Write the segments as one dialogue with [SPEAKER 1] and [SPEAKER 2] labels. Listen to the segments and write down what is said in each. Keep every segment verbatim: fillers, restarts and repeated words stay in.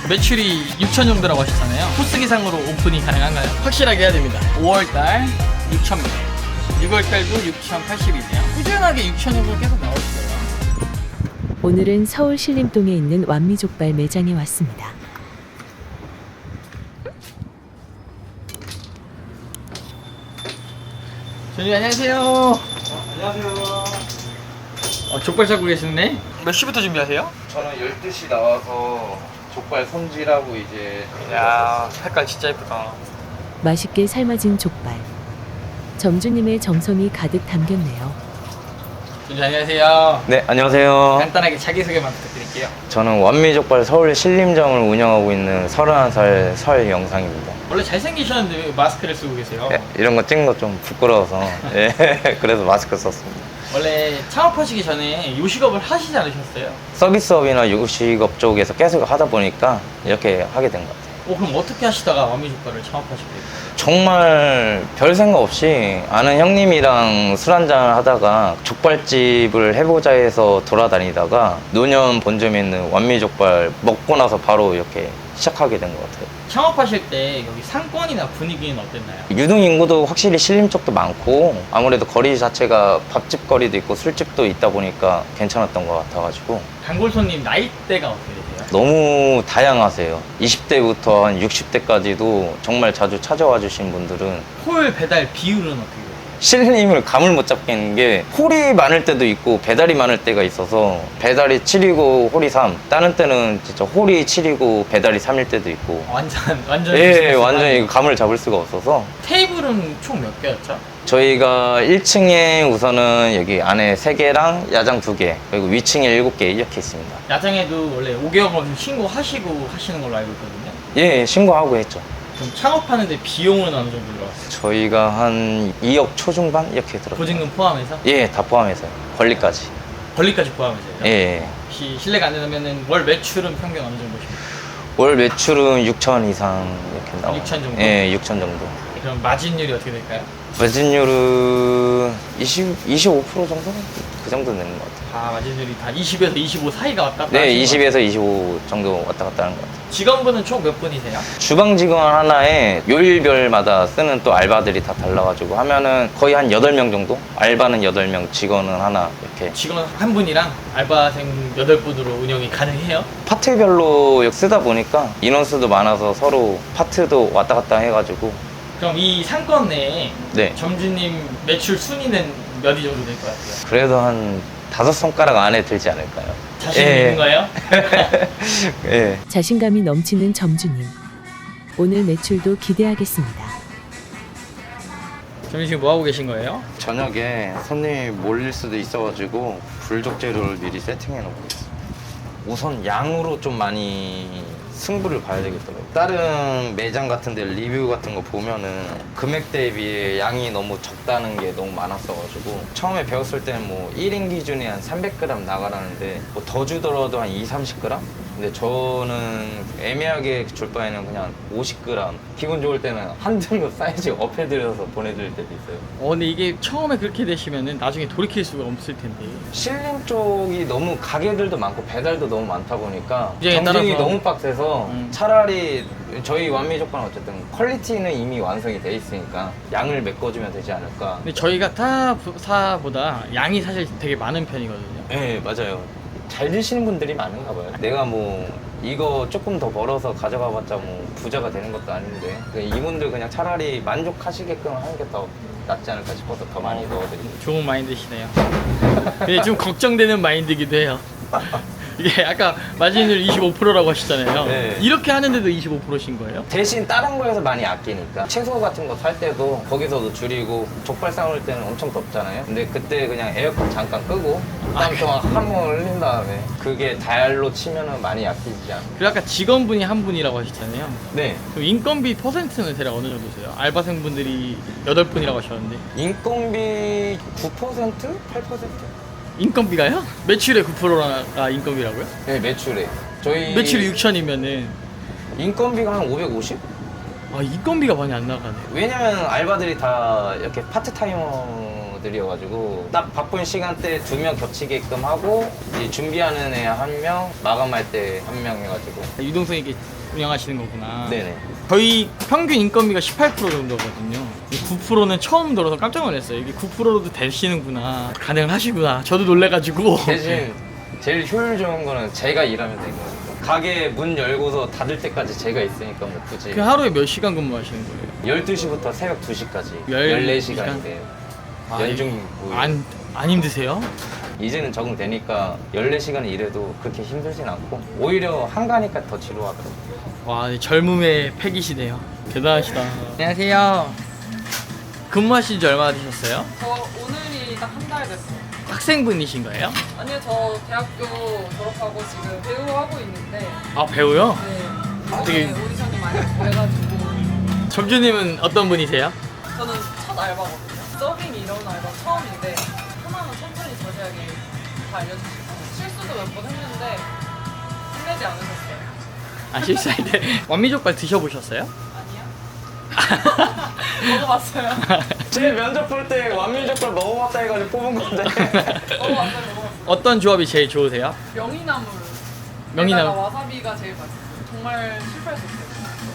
[SPEAKER 1] 매출이 육천 정도라고 하셨잖아요. 코스 기상으로 오픈이 가능한가요? 확실하게 해야 됩니다. 오월달 육천 명, 유월달도 육천팔십이네요. 꾸준하게 육천 정도 계속 나올 거예요.
[SPEAKER 2] 오늘은 서울 신림동에 있는 완미족발 매장에 왔습니다.
[SPEAKER 1] 전님 안녕하세요.
[SPEAKER 3] 어, 안녕하세요.
[SPEAKER 1] 어, 족발 잡고 계시네. 몇 시부터 준비하세요?
[SPEAKER 3] 저는 열두 시 나와서 족발 손질하고 이제
[SPEAKER 1] 야, 색깔 진짜 예쁘다.
[SPEAKER 2] 맛있게 삶아진 족발. 점주님의 정성이 가득 담겼네요.
[SPEAKER 1] 전님 안녕하세요.
[SPEAKER 3] 네, 안녕하세요.
[SPEAKER 1] 간단하게 자기소개만 부탁드릴게요.
[SPEAKER 3] 저는 완미족발 서울 신림점을 운영하고 있는 서른한 살 설 영상입니다.
[SPEAKER 1] 원래 잘생기셨는데 왜 마스크를 쓰고 계세요?
[SPEAKER 3] 예, 이런 거 찍는 거 좀 부끄러워서 예, 그래서 마스크 썼습니다.
[SPEAKER 1] 원래 창업하시기 전에 요식업을 하시지 않으셨어요?
[SPEAKER 3] 서비스업이나 요식업 쪽에서 계속 하다 보니까 이렇게 하게 된 것 같아요.
[SPEAKER 1] 어, 그럼 어떻게 하시다가 완미족발을 창업하시게 됐어요?
[SPEAKER 3] 정말 별 생각 없이 아는 형님이랑 술 한잔 하다가 족발집을 해보자 해서 돌아다니다가 노년 본점에 있는 완미족발 먹고 나서 바로 이렇게 시작하게 된 것 같아요.
[SPEAKER 1] 창업하실 때 여기 상권이나 분위기는 어땠나요?
[SPEAKER 3] 유동 인구도 확실히 신림 쪽도 많고 아무래도 거리 자체가 밥집 거리도 있고 술집도 있다 보니까 괜찮았던 것 같아가지고
[SPEAKER 1] 단골 손님 나이대가 어떻게 되세요?
[SPEAKER 3] 너무 다양하세요. 이십 대부터 한 육십 대까지도 정말 자주 찾아와 주신 분들은
[SPEAKER 1] 홀 배달 비율은 어떻게 돼요?
[SPEAKER 3] 신림을 감을 못 잡겠는 게 홀이 많을 때도 있고 배달이 많을 때가 있어서 배달이 칠이고 홀이 삼, 다른 때는 진짜 홀이 칠이고 배달이 삼일 때도 있고
[SPEAKER 1] 완전 완전
[SPEAKER 3] 예,
[SPEAKER 1] 비즈니스
[SPEAKER 3] 완전히
[SPEAKER 1] 하는.
[SPEAKER 3] 감을 잡을 수가 없어서
[SPEAKER 1] 테이블은 총 몇 개였죠?
[SPEAKER 3] 저희가 일 층에 우선은 여기 안에 세 개랑 야장 두 개, 그리고 위층에 일곱 개 이렇게 있습니다.
[SPEAKER 1] 야장에도 원래 오 개월 없이 신고하시고 하시는 걸로 알고 있거든요.
[SPEAKER 3] 예, 신고하고 했죠.
[SPEAKER 1] 그럼 창업하는데 비용은 어느 정도 들어갔어요?
[SPEAKER 3] 저희가 한 이억 초중반 이렇게 들었어요.
[SPEAKER 1] 보증금 포함해서?
[SPEAKER 3] 예, 다 포함해서요. 권리까지.
[SPEAKER 1] 권리까지 포함해서요?
[SPEAKER 3] 예.
[SPEAKER 1] 혹시 실례가 안 된다면 월 매출은 평균 어느 정도십니까?
[SPEAKER 3] 월 매출은 육천 이상 이렇게 나와요.
[SPEAKER 1] 육천 정도?
[SPEAKER 3] 예, 육천 정도.
[SPEAKER 1] 그럼 마진율이 어떻게 될까요?
[SPEAKER 3] 마진율은 이십, 이십오 퍼센트 정도? 그 정도 되는 것 같아요.
[SPEAKER 1] 아, 마진율이 다 이십에서 이십오 사이가 왔다 갔다
[SPEAKER 3] 네,
[SPEAKER 1] 하시는 것
[SPEAKER 3] 이십에서 이십오 정도 왔다 갔다 하는 것 같아요.
[SPEAKER 1] 같아요. 직원분은 총 몇 분이세요?
[SPEAKER 3] 주방 직원 하나에 요일별마다 쓰는 또 알바들이 다 달라가지고 하면은 거의 한 여덟 명 정도? 알바는 여덟 명, 직원은 하나 이렇게.
[SPEAKER 1] 직원 한 분이랑 알바생 여덟 분으로 운영이 가능해요?
[SPEAKER 3] 파트별로 쓰다 보니까 인원수도 많아서 서로 파트도 왔다 갔다 해가지고.
[SPEAKER 1] 그럼 이 상권 내에
[SPEAKER 3] 네.
[SPEAKER 1] 점주님 매출 순위는 몇 위 정도 될 것 같아요?
[SPEAKER 3] 그래도 한 다섯 손가락 안에 들지 않을까요?
[SPEAKER 1] 자신
[SPEAKER 3] 예.
[SPEAKER 1] 있는 거예요?
[SPEAKER 3] 예.
[SPEAKER 2] 자신감이 넘치는 점주님. 오늘 매출도 기대하겠습니다.
[SPEAKER 1] 점주님 지금 뭐 하고 계신 거예요?
[SPEAKER 3] 저녁에 손님이 몰릴 수도 있어가지고 불족 재료를 미리 세팅해 놓고 있어요. 우선 양으로 좀 많이 승부를 봐야 되겠더라고요. 다른 매장 같은 데 리뷰 같은 거 보면은 금액 대비에 양이 너무 적다는 게 너무 많았어가지고 처음에 배웠을 때는 뭐 일 인 기준에 한 삼백 그램 나가라는데 뭐 더 주더라도 한 이삼십 그램? 근데 저는 애매하게 줄 바에는 그냥 오십 그램, 기분 좋을 때는 한 등급 사이즈 업해드려서 보내드릴 때도 있어요.
[SPEAKER 1] 어, 근데 이게 처음에 그렇게 되시면은 나중에 돌이킬 수가 없을 텐데.
[SPEAKER 3] 신림 쪽이 너무 가게들도 많고 배달도 너무 많다 보니까
[SPEAKER 1] 이제에
[SPEAKER 3] 경쟁이
[SPEAKER 1] 따라서.
[SPEAKER 3] 너무 빡세서
[SPEAKER 1] 음.
[SPEAKER 3] 차라리 저희 완미족발은 어쨌든 퀄리티는 이미 완성이 돼 있으니까 양을 메꿔주면 되지 않을까.
[SPEAKER 1] 근데 저희가 타 사보다 양이 사실 되게 많은 편이거든요.
[SPEAKER 3] 네, 맞아요. 잘 드시는 분들이 많은가 봐요. 내가 뭐 이거 조금 더 벌어서 가져가 봤자 뭐 부자가 되는 것도 아닌데 그러니까 이분들 그냥 차라리 만족하시게끔 하는 게 더 낫지 않을까 싶어서 더 많이 넣어드립니다.
[SPEAKER 1] 좋은 마인드시네요. 근데 좀 걱정되는 마인드기도 해요. 이게 아까 마진율 이십오 퍼센트라고 하셨잖아요.
[SPEAKER 3] 네.
[SPEAKER 1] 이렇게 하는데도 이십오 퍼센트신 거예요?
[SPEAKER 3] 대신 다른 거에서 많이 아끼니까 채소 같은 거 살 때도 거기서도 줄이고 족발 삶을 때는 엄청 덥잖아요. 근데 그때 그냥 에어컨 잠깐 끄고 땀 동안 한번 흘린 다음에 그게 달로 치면은 많이 아끼지 않아요.
[SPEAKER 1] 그리고 아까 직원분이 한 분이라고 하셨잖아요.
[SPEAKER 3] 네.
[SPEAKER 1] 그럼 인건비 퍼센트는 대략 어느 정도세요? 알바생분들이 여덟 분이라고 하셨는데
[SPEAKER 3] 인건비 구 퍼센트? 팔 퍼센트?
[SPEAKER 1] 인건비가요? 매출의 구 퍼센트가 인건비라고요?
[SPEAKER 3] 네, 매출에. 저희
[SPEAKER 1] 매출이 육천이면은
[SPEAKER 3] 인건비가 한 오백오십?
[SPEAKER 1] 아, 인건비가 많이 안 나가네.
[SPEAKER 3] 왜냐면 알바들이 다 이렇게 파트타이머들이어가지고 딱 바쁜 시간대 두 명 겹치게끔 하고 이제 준비하는 애 한 명, 마감할 때 한 명 해가지고
[SPEAKER 1] 유동성이 이게 운영하시는 거구나.
[SPEAKER 3] 네네.
[SPEAKER 1] 저희 평균 인건비가 십팔 퍼센트 정도거든요. 구 퍼센트는 처음 들어서 깜짝 놀랐어요. 이게 구 퍼센트로도 되시는구나. 가능을 하시구나. 저도 놀래가지고.
[SPEAKER 3] 대신 제일 효율 좋은 거는 제가 일하면 되는 거예요. 가게 문 열고서 닫을 때까지 제가 있으니까 뭐 굳이
[SPEAKER 1] 그 하루에 몇 시간 근무하시는 거예요?
[SPEAKER 3] 열두 시부터 새벽 두 시까지
[SPEAKER 1] 열네
[SPEAKER 3] 열네
[SPEAKER 1] 시간?
[SPEAKER 3] 시간인데요.
[SPEAKER 1] 아,
[SPEAKER 3] 연중 뭐
[SPEAKER 1] 안, 안 힘드세요?
[SPEAKER 3] 이제는 적응되니까 열네 시간 일해도 그렇게 힘들진 않고 오히려 한가니까 더 지루하더라고요.
[SPEAKER 1] 와, 젊음의 패기시네요. 대단하시다. 안녕하세요. 근무하신 지 얼마나 되셨어요?
[SPEAKER 4] 저 오늘이 딱 한 달 됐어요.
[SPEAKER 1] 학생분이신 거예요?
[SPEAKER 4] 아니요, 저 대학교 졸업하고 지금 배우 하고 있는데,
[SPEAKER 1] 아, 배우요?
[SPEAKER 4] 네.
[SPEAKER 1] 되게-
[SPEAKER 4] 이번에 오디션이 많이 돼가지고
[SPEAKER 1] 점주님은 어떤 분이세요?
[SPEAKER 4] 저는 첫 알바거든요. 서빙 이런 알바 처음인데 하나는 천천히 자세하게 다 알려주시고 실수도 몇 번 했는데 힘내지 않으셨어요.
[SPEAKER 1] 아, 실수할 때 완미족발 드셔보셨어요?
[SPEAKER 4] 아니요? 먹어봤어요.
[SPEAKER 3] 제 면접 볼 때 완밀적걸 먹어봤다 해가지고 뽑은 건데
[SPEAKER 4] 먹어봤어요, 먹어봤어요.
[SPEAKER 1] 어떤 조합이 제일 좋으세요?
[SPEAKER 4] 명이나물.
[SPEAKER 1] 명이나물.
[SPEAKER 4] 에다가 와사비가 제일 맛있어요. 정말 실패했었어요.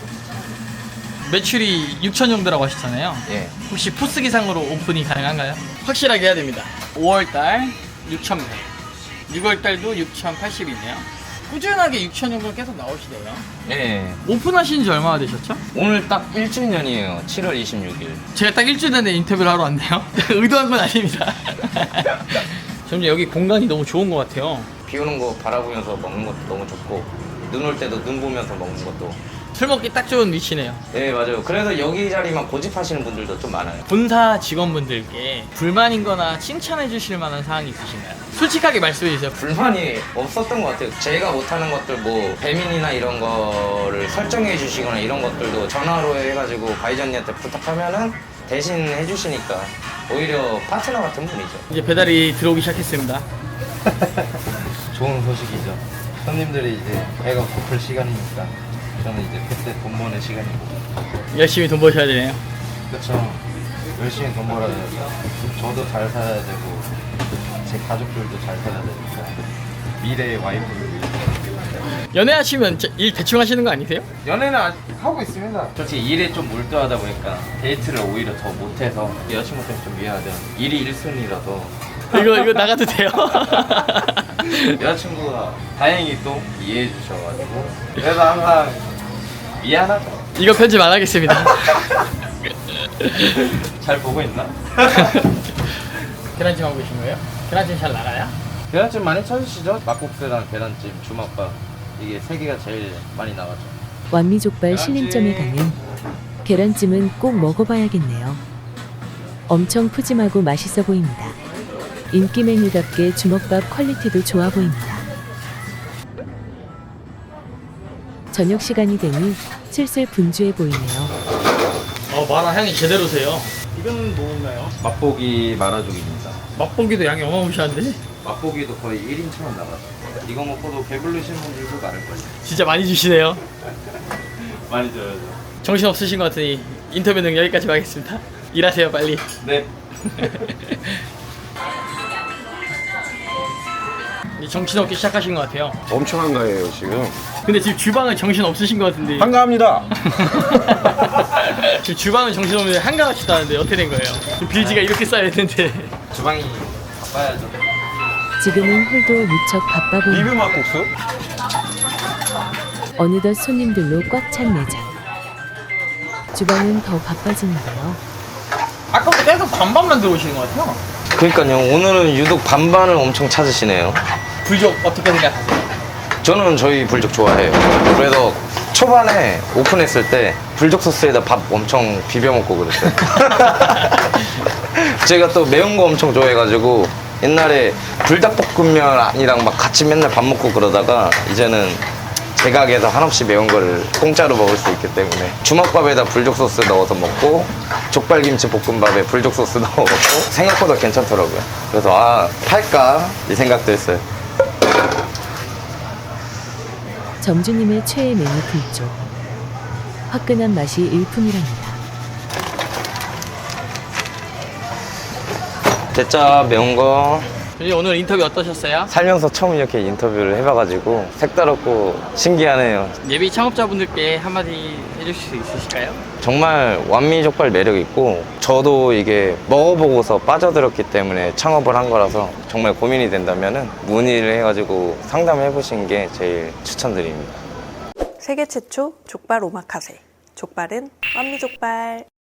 [SPEAKER 1] 매출이 육천 정도라고 하셨잖아요.
[SPEAKER 3] 예.
[SPEAKER 1] 혹시 포스 기상으로 오픈이 가능한가요? 확실하게 해야 됩니다. 오월달 육천 배, 유월달도 육천팔십이네요. 꾸준하게 육천 정도 계속 나오시네요.
[SPEAKER 3] 예.
[SPEAKER 1] 오픈하신 지 얼마나 되셨죠?
[SPEAKER 3] 오늘 딱 일 주년이에요. 칠월 이십육일.
[SPEAKER 1] 제가 딱 일주일 전에 인터뷰를 하러 왔네요. 의도한 건 아닙니다. 점점 여기 공간이 너무 좋은 것 같아요.
[SPEAKER 3] 비 오는 거 바라보면서 먹는 것도 너무 좋고 눈 올 때도 눈 보면서 먹는 것도
[SPEAKER 1] 술 먹기 딱 좋은 위치네요.
[SPEAKER 3] 네 맞아요. 그래서 여기 자리만 고집하시는 분들도 좀 많아요.
[SPEAKER 1] 본사 직원분들께 불만인 거나 칭찬해 주실 만한 사항이 있으신가요? 솔직하게 말씀해 주세요.
[SPEAKER 3] 불만이 없었던 것 같아요. 제가 못하는 것들 뭐 배민이나 이런 거를 설정해 주시거나 이런 것들도 전화로 해가지고 가이전님한테 부탁하면은 대신 해주시니까 오히려 파트너 같은 분이죠.
[SPEAKER 1] 이제 배달이 들어오기 시작했습니다.
[SPEAKER 5] 좋은 소식이죠. 손님들이 이제 배가 고플 시간이니까 저는 이제 그때 돈 버는 시간이고.
[SPEAKER 1] 열심히 돈 버셔야 되네요.
[SPEAKER 5] 그렇죠. 열심히 돈 벌어야 돼서 저도 잘 살아야 되고 제 가족들도 잘 살아야 되니까 미래의 와이프를 위해서.
[SPEAKER 1] 연애하시면 저- 일 대충 하시는 거 아니세요?
[SPEAKER 5] 연애는 아직 하고 있습니다. 솔직히 일에 좀 몰두하다 보니까 데이트를 오히려 더 못해서 여자친구 때문에 좀 미안하죠. 일이 일순이라서
[SPEAKER 1] 이거 이거 나가도 돼요?
[SPEAKER 5] 여자친구가 다행히 또 이해해 주셔가지고 그래서 항상 미안하죠.
[SPEAKER 1] 이거 편집 안 하겠습니다.
[SPEAKER 5] 잘 보고 있나?
[SPEAKER 1] 계란찜 하고 계신 거예요? 계란찜 잘 나가요?
[SPEAKER 5] 계란찜 많이 찾으시죠? 막국수랑 계란찜, 주먹밥 이게 세 개가 제일 많이 나가죠.
[SPEAKER 2] 완미족발 신림점에 가면 계란찜은 꼭 먹어봐야겠네요. 엄청 푸짐하고 맛있어 보입니다. 인기 메뉴답게 주먹밥 퀄리티도 좋아 보입니다. 저녁 시간이 되니 슬슬 분주해 보이네요.
[SPEAKER 1] 어, 마라 향이 제대로세요. 이건 뭐인가요?
[SPEAKER 5] 맛보기 마라족입니다.
[SPEAKER 1] 맛보기도 양이 어마무시한데?
[SPEAKER 5] 맛보기도 거의 일 인처럼 나가죠. 이거 먹고도 배부르신 분들도 많을 거예요.
[SPEAKER 1] 진짜 많이 주시네요.
[SPEAKER 5] 많이 줘야죠.
[SPEAKER 1] 정신 없으신 것 같으니 인터뷰는 여기까지 하겠습니다. 일하세요 빨리.
[SPEAKER 5] 네.
[SPEAKER 1] 이제 정신 없기 시작하신 것 같아요.
[SPEAKER 6] 엄청 한가해요 지금.
[SPEAKER 1] 근데 지금 주방은 정신 없으신 것 같은데.
[SPEAKER 6] 한가합니다.
[SPEAKER 1] 지금 주방은 정신 없는데 한가하시다는데 어떻게 된 거예요? 지금 빌지가 이렇게 쌓여 있는데.
[SPEAKER 5] 주방이 바빠야죠.
[SPEAKER 2] 지금은 홀도 무척 바빠 보입니다.
[SPEAKER 6] 리뷰 막국수?
[SPEAKER 2] 어느덧 손님들로 꽉 찬 매장. 주방은 더 바빠지는데요.
[SPEAKER 1] 아까부터 계속 반반만 들어오시는 것 같아요.
[SPEAKER 3] 그러니까요. 오늘은 유독 반반을 엄청 찾으시네요.
[SPEAKER 1] 불족 어떻게 생각하세요?
[SPEAKER 3] 저는 저희 불족 좋아해요. 그래서 초반에 오픈했을 때 불족 소스에다 밥 엄청 비벼 먹고 그랬어요. 제가 또 매운 거 엄청 좋아해가지고 옛날에 불닭볶음면이랑 막 같이 맨날 밥 먹고 그러다가 이제는 제 가게에서 한없이 매운 거를 공짜로 먹을 수 있기 때문에 주먹밥에다 불족 소스 넣어서 먹고 족발김치 볶음밥에 불족 소스 넣어 먹고 생각보다 괜찮더라고요. 그래서 아 팔까 이 생각도 했어요.
[SPEAKER 2] 점주님의 최애 메뉴 불족. 화끈한 맛이 일품이랍니다.
[SPEAKER 3] 대짜 매운 거.
[SPEAKER 1] 선생님 오늘 인터뷰 어떠셨어요?
[SPEAKER 3] 살면서 처음 이렇게 인터뷰를 해봐가지고 색다르고 신기하네요.
[SPEAKER 1] 예비 창업자분들께 한마디 해주실 수 있으실까요?
[SPEAKER 3] 정말 완미족발 매력 있고 저도 이게 먹어보고서 빠져들었기 때문에 창업을 한 거라서 정말 고민이 된다면은 문의를 해가지고 상담해 보신 게 제일 추천드립니다.
[SPEAKER 6] 세계 최초 족발 오마카세. 족발은 완미족발.